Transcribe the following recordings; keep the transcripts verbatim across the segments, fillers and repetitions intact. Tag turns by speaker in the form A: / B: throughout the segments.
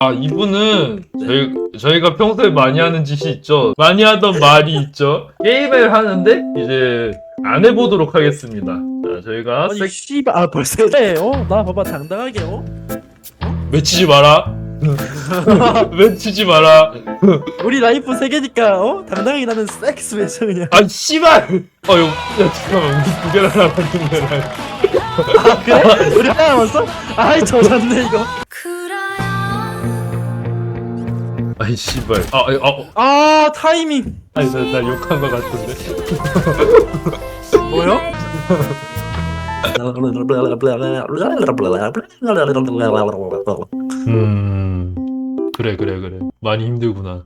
A: 아, 이분은 저희, 저희가 평소에 많이 하는 짓이 있죠. 많이 하던 말이 있죠. 게임을 하는데 이제 안 해보도록 하겠습니다. 자, 저희가
B: 아니
A: 색...
B: 씨발 아 벌써 그래 어나 봐봐 당당하게 어
A: 외치지 마라. 외치지 마라.
B: 우리 라이프 세 개니까 어 당당하게 나는 섹스 외쳐 그냥.
A: 아, 씨발! 어, 요, 야, 잠깐만. 우리 두 개나 남았는데.
B: 아 그래? 우리 하나 남았어? 아이 젖었네 이거.
A: 아이, 씨발. 아, 아, 어.
B: 아 타이밍.
A: 아니, 나, 나 욕한 거 같은데.
B: 뭐요?
A: 음. 그래, 그래, 그래. 많이 힘들구나.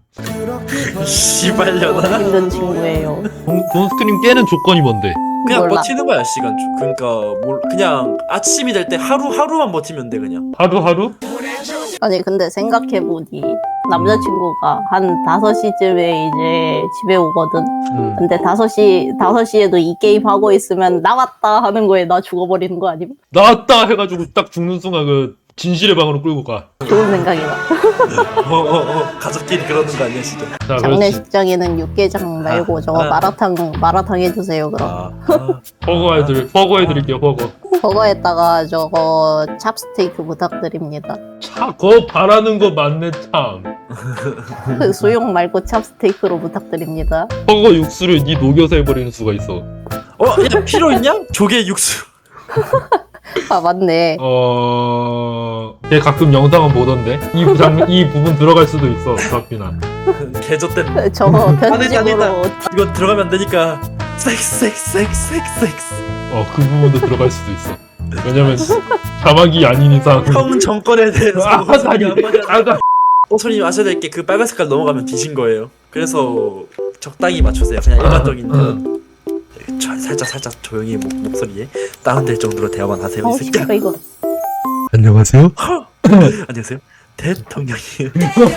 B: 씨발려나.
C: 힘든 친구예요.
A: 돈, 돈 스크림 깨는 조건이 뭔데?
B: 그냥
C: 몰라.
B: 버티는 거야 시간 주. 그러니까 뭘 그냥 아침이 될 때 하루 하루만 버티면 돼 그냥.
A: 하루하루?
C: 아니 근데 생각해보니 남자친구가 한 다섯 시쯤에 이제 집에 오거든.
A: 음.
C: 근데 다섯 시, 다섯 시에도 이 게임 하고 있으면 나왔다 하는 거에 나 죽어버리는 거 아님?
A: 나왔다 해가지고 딱 죽는 순간 그 진실의 방으로 끌고 가.
C: 좋은 생각이다.
B: 어어어 가족끼리 그러는 거 아니야 진짜.
A: 자, 그렇지.
C: 장례식장에는 육개장 말고 저거
B: 아.
C: 마라탕, 마라탕 해주세요 그럼.
B: 아, 아.
A: 버거 해드릴, 버거 해드릴게요, 버거.
C: 저거에다가 저거 찹스테이크 부탁드립니다.
A: 차, 거 바라는 거 맞네, 참.
C: 그 수육 말고 찹스테이크로 부탁드립니다.
A: 버거 육수를 니 녹여서 해버리는 수가 있어.
B: 어? 야 필요 있냐? 조개 육수.
C: 아 맞네.
A: 어... 걔 가끔 영상은 보던데? 이, 장, 이 부분 들어갈 수도 있어, 박빈아.
B: 개젖된.
C: 저거
B: 안 된다, 안
C: 편집으로
B: 된다. 이거 들어가면 안 되니까. 섹스 섹스 섹스 섹스 섹스.
A: 어, 그 부분도 들어갈 수도 있어. 왜냐면, 자막이 아닌 이상.
B: 형 정권에 대해서
A: 아, 아니, 아, 나.
B: 어, 손님 아셔야 될 게 그 빨간 색깔 넘어가면 뒤진 거예요. 그래서 적당히 맞추세요. 그냥 일반적인
A: 음.
B: 저, 살짝 살짝 조용히 목, 목소리에 다운될 정도로 대화만 하세요.
C: 어
B: 이 새끼야.
C: 씨발 이거
A: 안녕하세요?
B: 안녕하세요. 대통령이.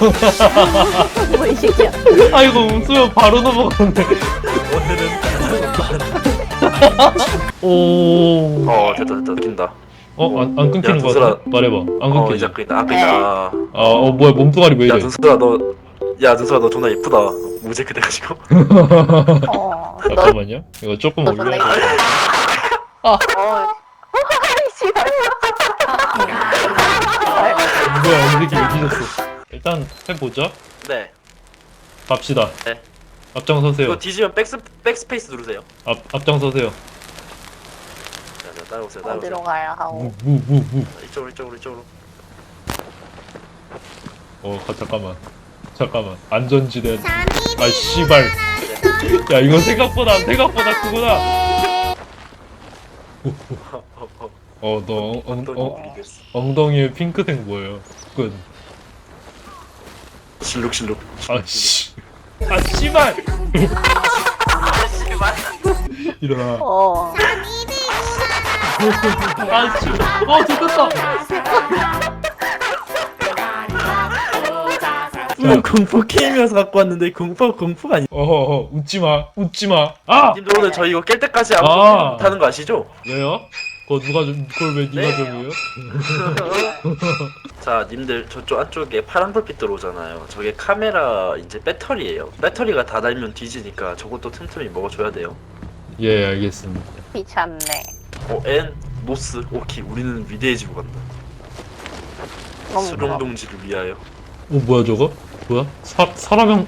C: 뭐이 새끼야.
A: 아, 이거 웃으면 바로 넘어가는데. 오.
B: 어 됐다 됐다 낀다.
A: 어, 안, 안 끊기는
B: 야,
A: 거 같아?
B: 눈슬아.
A: 말해봐. 안
B: 어
A: 끊기지?
B: 이제 낀다. 아 낀다.
A: 아, 어, 뭐야, 몸뚱아리 왜
B: 야
A: 이래?
B: 눈슬아 너. 야 눈슬아 너 존나 이쁘다. 무제크 돼가지고.
C: 어. 너
A: 잠깐만요. 이거 조금
C: 너 존나
A: 올려.
C: 이거.
A: 아.
C: 어. 씨발.
A: 뭐야, 이 새끼 왜 뒤졌어? 일단 해보자.
B: 네.
A: 갑시다.
B: 네.
A: 앞장서세요.
B: 이거 뒤지면 백스 백스페이스 누르세요.
A: 앞 앞장서세요.
B: 자, 자 따라오세요. 따라오세요.
C: 어디로 가야 하고.
A: 무 무 무.
B: 이쪽으로 이쪽으로 이쪽으로.
A: 어, 가, 잠깐만. 잠깐만. 안전지대. 아, 씨발. 야, 이거 생각보다 생각보다 크구나. 어, 너 엉, 엉, 엉, 엉덩이에 핑크색 뭐예요? 끝.
B: 실룩 실룩.
A: 아, 씨. 아, 씨발. 일어나.
C: 어.
A: 아, 씨. 어, 좋겠다.
B: 음, 공포 게임이어서 갖고 왔는데 공포 공포가 아니.
A: 어허, 웃지 마. 웃지 마. 아!
B: 님들 오늘 저희 이거 깰 때까지 아무도
A: 아.
B: 못하는 거 아시죠?
A: 왜요? 그거 누가 좀, 그걸 왜 니가
B: 네.
A: 정해요?
B: 자, 님들 저쪽 안쪽에 파란 불빛 들어오잖아요. 저게 카메라 이제 배터리예요. 배터리가 다 달면 뒤지니까 저것도 틈틈이 먹어줘야 돼요.
A: 예, 알겠습니다.
C: 귀찮네.
B: 어, 엔 노스. 오케이, 우리는 위대해지고 간다.
C: 너무
B: 수룡
C: 좋아.
B: 동지를 위하여.
A: 어, 뭐야, 저거? 뭐야? 사, 사람형,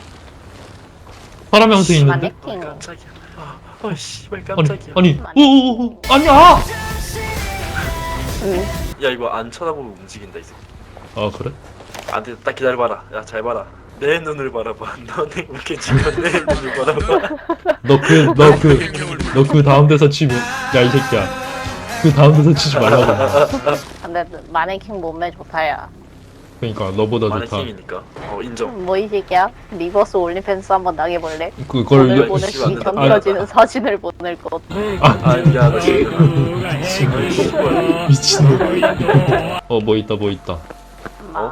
A: 사람 형태 있는데?
B: 아,
C: 마네킹.
B: 깜짝이야. 아, 어, 씨발
A: 아니,
B: 깜짝이야.
A: 아니, 오오오, 아니야!
C: 응.
B: 야, 이거 안 쳐다보고 움직인다 이 새끼.
A: 아, 그래?
B: 안 돼, 딱 기다려봐라. 야, 잘 봐라. 내 눈을 바라봐. 너네 이렇게 지금 내 눈을 바라봐.
A: 너 그, 너 그, 너 그 다음 대사 치면, 야, 이 새끼야. 그 다음 대사 치지 말라고.
C: 근데 마네킹 몸매 좋다야.
A: 그니까, 너보다 좋다.
B: 마네킹이니까. 어, 인정.
C: 뭐 이 새끼야? 리버스 올리팬스 한번 나게볼래?
A: 그걸,
C: 오늘
A: 왜-
C: 보낼
B: 씨,
C: 수
B: 안 된다.
C: 던져지는 사진을 보낼 것.
B: 아, 야, 나 지금. 아이, 씨발.
A: 미친놈. 어, 뭐 있다, 뭐 있다.
C: 마.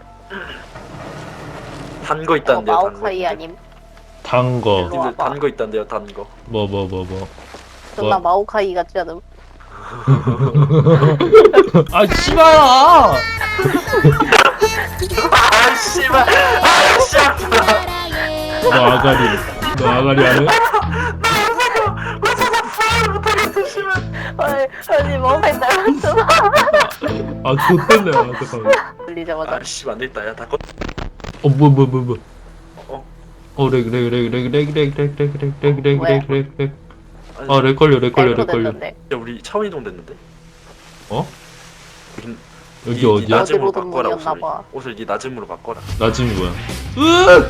B: 단 거
C: 어,
B: 있다는데요, 단 거.
C: 마오카이 아님?
A: 단 거.
C: 일로
B: 님들
C: 와봐.
B: 단 거 있다는데요, 단 거.
A: 뭐, 뭐, 뭐, 뭐.
C: 존나
A: 뭐?
C: 마오카이 같지 않음?
A: 아, 씨발아!
B: 아 씨발. 아 씨발.
A: 너 아가리 너 아가리 안 해?
C: 아니, 아니, 멍에 날았잖아.
A: 아 좋댔네. 아 잠깐만.
C: 들리자마자.
B: 아 씨발 안 되겠다. 야 다 꺼.
A: 어뭐 뭐 뭐 뭐
B: 어.
A: 어렉렉렉렉렉렉렉렉렉렉렉렉렉렉
B: 아니,
A: 아렉 걸려 렉 걸려 렉 걸려.
C: 됐는데.
B: 야 우리 차원 이동 됐는데.
A: 어?
B: 우린
A: 여기
B: 네
A: 어디야?
B: 낮음으로
C: 어디로든
B: 바꿔라 옷을.
C: 문이었나봐.
B: 옷을 네 낮음으로 바꿔라.
A: 낮음이 뭐야? 으!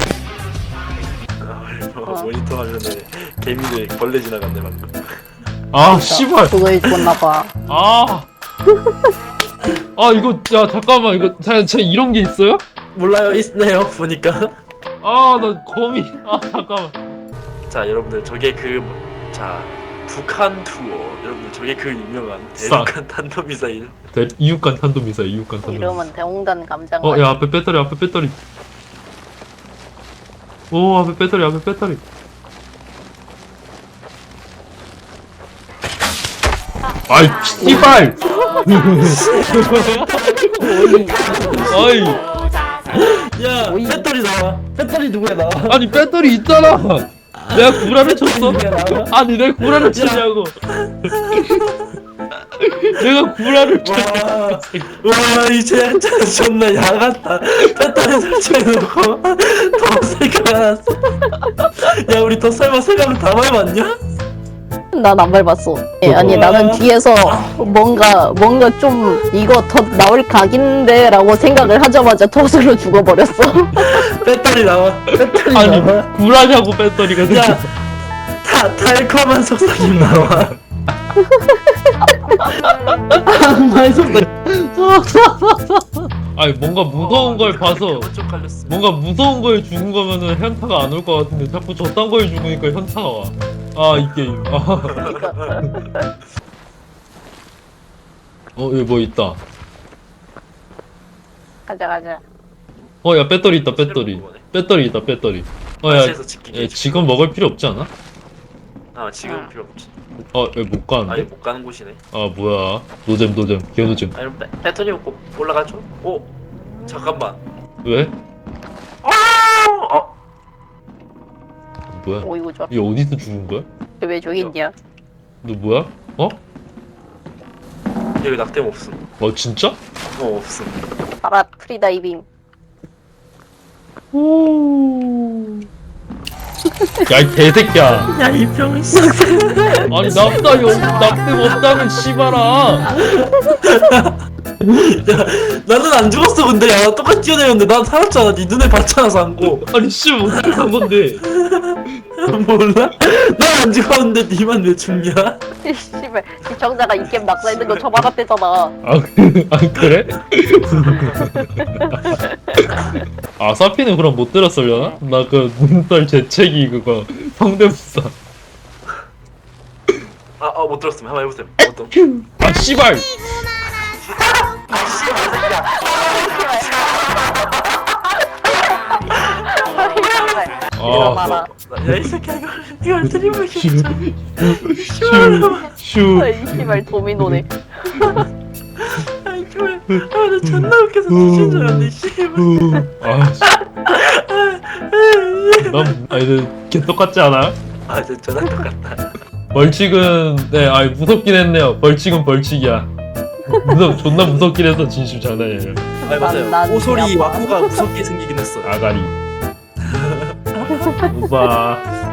B: 아, 모니터 화면에 개미들 벌레 지나갔네 방금.
A: 아 씨발.
C: 그거 입었나봐.
A: 아. 아 이거 야 잠깐만 이거 자, 자 이런 게 있어요?
B: 몰라요 있네요 보니까.
A: 아 나 거미. 아 잠깐만.
B: 자 여러분들 저게 그 자 북한 투어 여러분들 저게 그 유명한
A: 싸.
B: 대륙간 탄도미사일.
A: 대, 이육간 탄도미사일 이육간 탄도미사일.
C: 이름은 대홍단 감장.
A: 어 야 앞에 배터리 앞에 배터리. 오 앞에 배터리 앞에 배터리. 아이 씨발. 아이
B: 야
C: 오이.
B: 배터리 나와. 배터리 누구야 나와.
A: 아니 배터리 있잖아. 내가 구라를 쳤어? 아니 내가 구라를 쳤냐고. 내가 구라를 쳤어.
B: 와 이제 한잔 존나 야같다. 배터리 설치해놓고 더 생각났어. 야 우리 더 설마 생각을 다 밟았냐?
C: 난 안 밟았어. 예, 아니 나는 뒤에서 뭔가 뭔가 좀 이거 더 나올 각인데라고 생각을 하자마자 덫으로 죽어버렸어.
B: 배터리 나와. 배터리
A: 아니
B: 나와.
A: 구라냐고 배터리가.
B: 야, 다 달콤한 속삭임 나와. 악마의 속삭임.
A: 아니 뭔가 무서운 걸 봐서
B: 쪽 갈렸어.
A: 뭔가 무서운 거에 죽은 거면은 현타가 안 올 것 같은데 자꾸 저딴 거에 죽으니까 현타가 와. 아 이 게임. 아. 어 여기 뭐 있다.
C: 가자 가자.
A: 어 야 배터리 있다 배터리. 배터리 있다 배터리. 어야
B: 마시에서 지키게.
A: 지금 먹을 필요 없지 않아?
B: 아 지금 필요 없지.
A: 어 여기 못
B: 아예
A: 가는데?
B: 못 가는 곳이네.
A: 아 뭐야 노잼 노잼 개노잼.
B: 아니 배, 배터리 먹고 올라가죠? 오 잠깐만.
A: 왜?
B: 어
A: 뭐야?
C: 오이고 저.
A: 얘 어디서 죽은 거야?
C: 왜 저기 있냐?
A: 너 뭐야? 어?
B: 여기 낙뎀 없음.
A: 어 진짜?
B: 어 없음.
C: 파라 프리다이빙.
A: 야 이 개새끼야.
B: 야 이 병신.
A: 아니 납다 여 납득 없다면 씨발아.
B: 나는 안 죽었어 근데 야 똑같이 뛰어내렸는데 난 살았잖아. 네 눈에 봤잖아 상고.
A: 아니 씨 어떻게 한 건데?
B: 몰라? 난 안 죽었는데 니만 왜 죽냐?
C: 씨발 시청자가 이 게임 낙사 있는 거 처박았대잖아.
A: 아, 그, 아 그래? 아 사피는 그럼 못 들었을려나? 나 그 눈살 재채기 그거 성대모사.
B: 아아 못 들었음. 한번 해보세요. 어떤?
A: 아 씨발. 아
C: 말아.
B: 야이 새끼야 이걸 이걸 드리블
A: 슈.
B: 진짜.
A: 슈.
C: 이 씨발 도미노네.
B: 아이 쫄. 아나 존나 웃겨서 미친 줄 알았네. 씨발.
A: 아 씨. 난 아니 개 똑같지 않아?
B: 아 진짜 존나 똑같다.
A: 벌칙은 네 아이 무섭긴 했네요. 벌칙은 벌칙이야. 무섭 존나 무섭긴 해서 진심 장난이에요.
B: 아 맞아요.
C: 난
B: 오소리
C: 그냥
B: 와꾸가 무섭게 생기긴 했어.
A: 아가리. 우바.